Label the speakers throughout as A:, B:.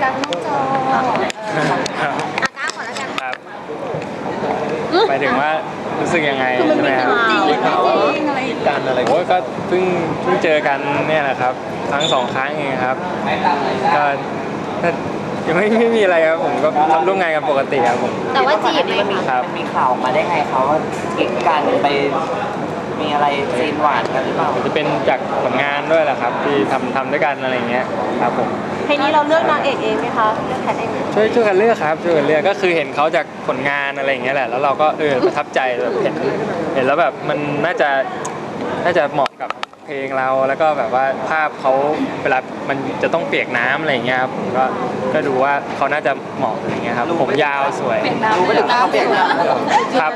A: กันนอกจอก้าวก่อนแล้วกัน
B: ครับหมายถึงว่ารู้สึกยังไงใช่ไหมครับ
A: จริงหรือไม่จริงอะไร
C: การอะไร
B: โอ้ยก็เพิ่งเจอกันเนี่ยแหละครับทั้ง2 ครั้งเองครับก็ยังไม่มีอะไรครับผมก็ทำร่วมงานกันปกติครับผม
A: แต่ว่าจีบไหม
B: ครับ
D: มันมีข่าวมาได้ไงเขาว่ากิ๊กกันไปมีอะไรซีนหวานกันหรือเปล่า
B: จะเป็นจากผลงานด้วยแหละครับที่ทำด้วยกันอะไรเงี้ยครับผม
A: เพลงนี้เราเลือกนางเอกเองไหมคะเลือกแคทเองไหม
B: ช่วยกันเลือกครับช่วยกันเลือกก็คือเห็นเขาจากผลงานอะไรอย่างเงี้ยแหละแล้วเราก็ประทับใจแบบเห็นแล้วแบบมันน่าจะเหมาะกับเพลงเราแล้วก็แบบว่าภาพเขาเวลามันจะต้องเปียกน้ำอะไรอย่างเงี้ยครับผมก็ดูว่าเขาน่าจะเหมาะอะไรเงี้ยครับผมยาวสวย
D: รู้ไม่ถึงเขาเปลี่ยนน้ำ
B: ครับ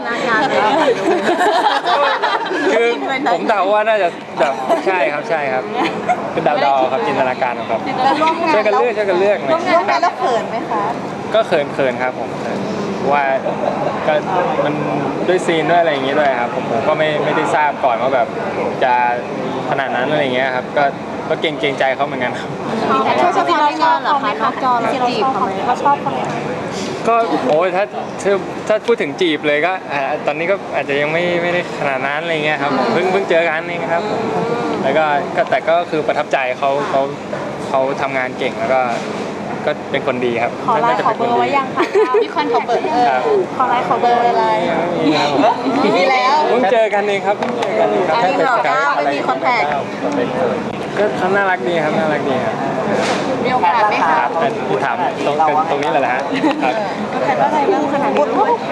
B: คือผมเดาว่าน่าจะแบบใช่ครับเป็นเดาครับจินตนาการครับช่วยกันเลือก
A: ร่วมงานแล้วเขินไหมคะ
B: ก็เขินครับผมว่าก็มันด้วยซีนด้วยอะไรอย่างเงี้ยด้วยครับผมก็ไม่ได้ทราบก่อนว่าแบบจะขนาดนั้นอะไรอย่างเงี้ยครับก็เกรงใจเขาเหมือนกันครับ
A: ชอบเราชอบเหรอคะนอกจอเราจีบเขาไหมเราชอบเขาไหม
B: ก็โอ้ยถ้าพูดถึงจีบเลยก็ตอนนี้ก็อาจจะยังไม่ได้ขนาดนั้นอะไรเงี้ยครับผมเพิ่งเจอกันเองครับแล้วก็แต่ก็คือประทับใจเขาทำงานเก่งแล้วก็เป็นคนดีครับ
A: ขอไลน์ขอเบอร์ไว้ยังคะมีคนขอเบอร์ขอไลน์ขอเบอร์อะไรมีแล้ว
B: เพิ่งเจอกันเองครับ
A: แค่เป็นการไม่มีคอนแทค
B: ก็เขาน่ารักดีครับ
A: มีโอกาสไหมคะ
B: ถามตรงนี้แหละฮะครับ
A: แค่ว่าอะไรบ้างขนาดนี้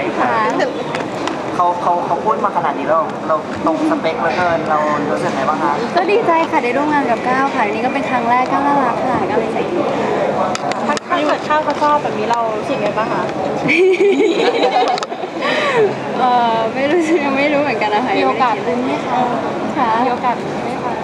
D: เขาพูดมาขนาดนี้เราตรงสเปคเหลือเกินเรารู้สึกไงบ้างคะ
E: ก็ดีใจค่ะได้ร่วมงานกับก้าวค่ะอันนี้ก็เป็นครั้งแรกก้าวน่ารักค่ะก้าวเลยใจดี
A: ถ้าเกิดข้าวเขาชอบแบบนี้เรารู้สึกไงบ้างคะ
E: ไม่รู้เหมือนกันนะคะ
A: มีโอกาสลุ้นไหมคะ
E: ค่ะ
A: มีโอกาสไหมคะ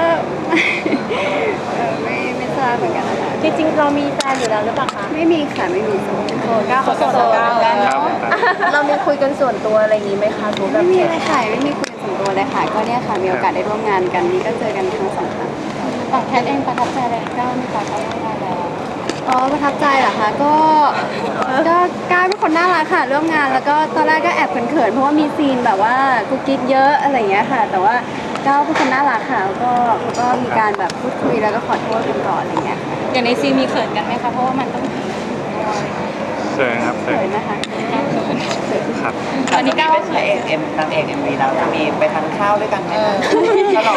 E: ไม่ทราบเหมือนกันนะคะ
A: จริงๆเรามีแฟนอยู่แล้วหรือเปล่าคะ
E: ไม่มีค่ะไม่มี
A: โสดก้าวเขาโสดกันเนาะเรามีคุยกันส่วนตัวอะไรอย่างนี้ไหมคะ
E: ไม่มีเลยค่ะไม่มีคุยส่วนตัวเลยค่ะก็เนี่ยค่ะมีโอกาสได้ร่วมงานกันนี่ก็เจอกันทั้ง2 ครั้ง
A: ฝั่งแคทเองประทับใจอะไรก้าวไหมคะก้าวร่วมงานแล้ว
E: ประทับใจเหรอคะก็ก้าวเป็นคนน่ารักค่ะร่วมงานแล้วก็ตอนแรกก็แอบเขินๆเพราะว่ามีซีนแบบว่ากุ๊กกิ๊กเยอะอะไรอย่างเงี้ยค่ะแต่ว่าก้าวเป็นคนน่ารักค่ะแล้วก็มีการแบบพูดคุยแล้วก็ขอโทษกันก่อนอะไรเงี้ย
A: อย่างในซีนมีเขินกันไหมคะเพราะว่ามันต้อง
B: เขินครับ
E: เขินนะคะ
B: ครับ
A: วันนี้ก้าวว่าเขิน
D: นางเอกMVเราจะมีไปทานข้าวด้วยกันไหมคะฉลอง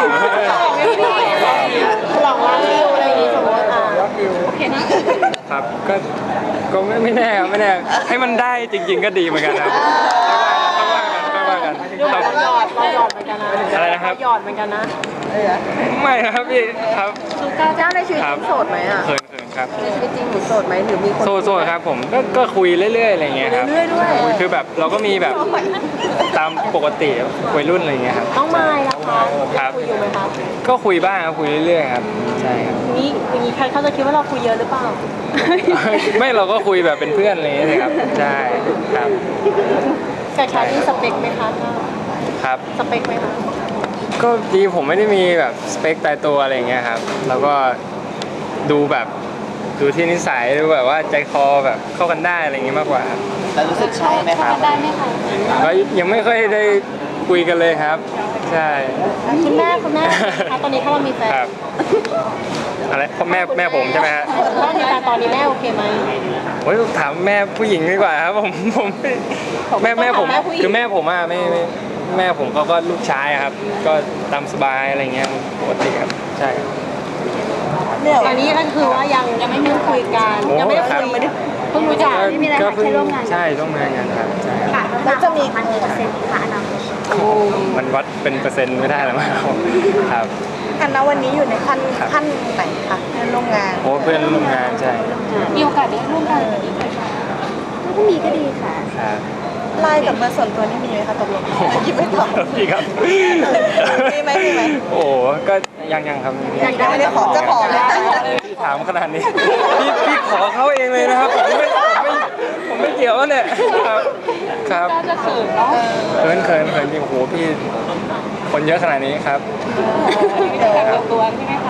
A: ว่าวิวอะไรอย่างงี้สมมติโอเค
B: นะครับก็ไม่แน่ครับไม่แน่ให้มันได้จริงๆก็ดีเหมือนกันครับไม่ว่ากัน
A: เราหยอดเหมือนกันนะ
B: อะไรนะครับ
A: หยอดเหมือนกันนะ
B: ไม่ครับพี่ครับ
A: สุก้าเจ้าในชีวิตจริงโสดไหมอ่ะ
B: เขินครับ
A: ในชีวิตจริงหนูโสดไหมหรือมีคน
B: โสดครับผมก็คุยเรื่อยๆอะไรเงี้ยครับ
A: เรื่อยๆด้วย
B: คือแบบเราก็มีแบบตามปกติวัยรุ่นอะไรเงี้ยครับ
A: น้องไม้ล่ะคะคุยอยู่ไหมครับ
B: ก็คุยบ้างครับคุยเรื่อยๆครับใช่ครับ
A: นี่อย่างนี้ใครเขาจะคิดว่าเราคุยเยอะหรือเปล่า
B: ไม่เราก็คุยแบบเป็นเพื่อนอะไรเงี้ยครับใช่ครับ
A: แต่ชาที่สเปคไหมคะ
B: ครับ
A: สเปคไหมคะ
B: ก็ดีผมไม่ได้มีแบบสเปคตายตัวอะไรเงี้ยครับแล้วก็ดูแบบดูที่นิสัยดูแบบว่าใจคอแบบเข้ากันได้อะไรเงี้ยมากกว่าครับ
D: แล้วรู้สึกใช่ไหมครับ
A: ได้ไหมคะ
B: ก็ยังไม่ค่อยได้คุยกันเลยครับใช่
A: คุณแม่ตอนนี้ถ้าเรามีแฟน
B: อะไรพ่อแม่ผมใช่ไหมฮะ
A: ถ้ามีแฟนตอนนี้แม่โอเคไหม
B: โอ้ยถามแม่ผู้หญิงดีกว่าครับผมแม่ผมคือแม่ผมอ่ะไม่แม่ผมก็ลูกชายครับก็ตามสบายอะไรเงี้ยปกติครับใช่
A: ตอนนี้ก็คือว่ายังไม่มีคุยกันยังไม่ได้คุยเพิ่งรู้จัก
E: ไม่มีอะไรค่ะแค่ร่วมงาน
B: ใช่ร่วมงานกันครับใช่
A: แล้วจะมีกี่เปอร์เซ็นต์คะอนาคต
B: มันวัดเป็นเปอร์เซ็นต์ไม่ได้หรอกครับ
A: อันนั้นวันนี้อยู่ในขั้นไหนคะเพื่อนร่วมงาน
B: โอ้เพื่อนร่วมงานใช่
A: มีโอกาสได้ร่วมงานกันอีกไหมคะ
E: ถ้ามีก็ดีค่ะ
B: ครับ
A: ไลน์กับเบอร์ส่วนตัวนี่มีไหมคะตกลงยิ้มไม่ตอบ
B: มีครับ
A: มีไหม
B: โอ้ก็ยังครับ
A: ยังไม่ได้ขอจะขอ
B: พี่ถามขนาดนี้พี่ขอเขาเองเลยนะครับผมไม่เกี่ยวเนี่ยครับ
A: ก็จะเขินเนาะ
B: เขินจริงโอ้โหพี่คนเยอะขนาดนี้ครับ
A: ไม่ได้แบบตัวใช่ไหมคะ
B: โ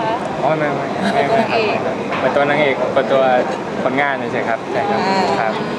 B: อ๋อไม่ครับเปิดตัวนางเอกเปิดตัวผลงานเฉยๆครับใช่ครับครับ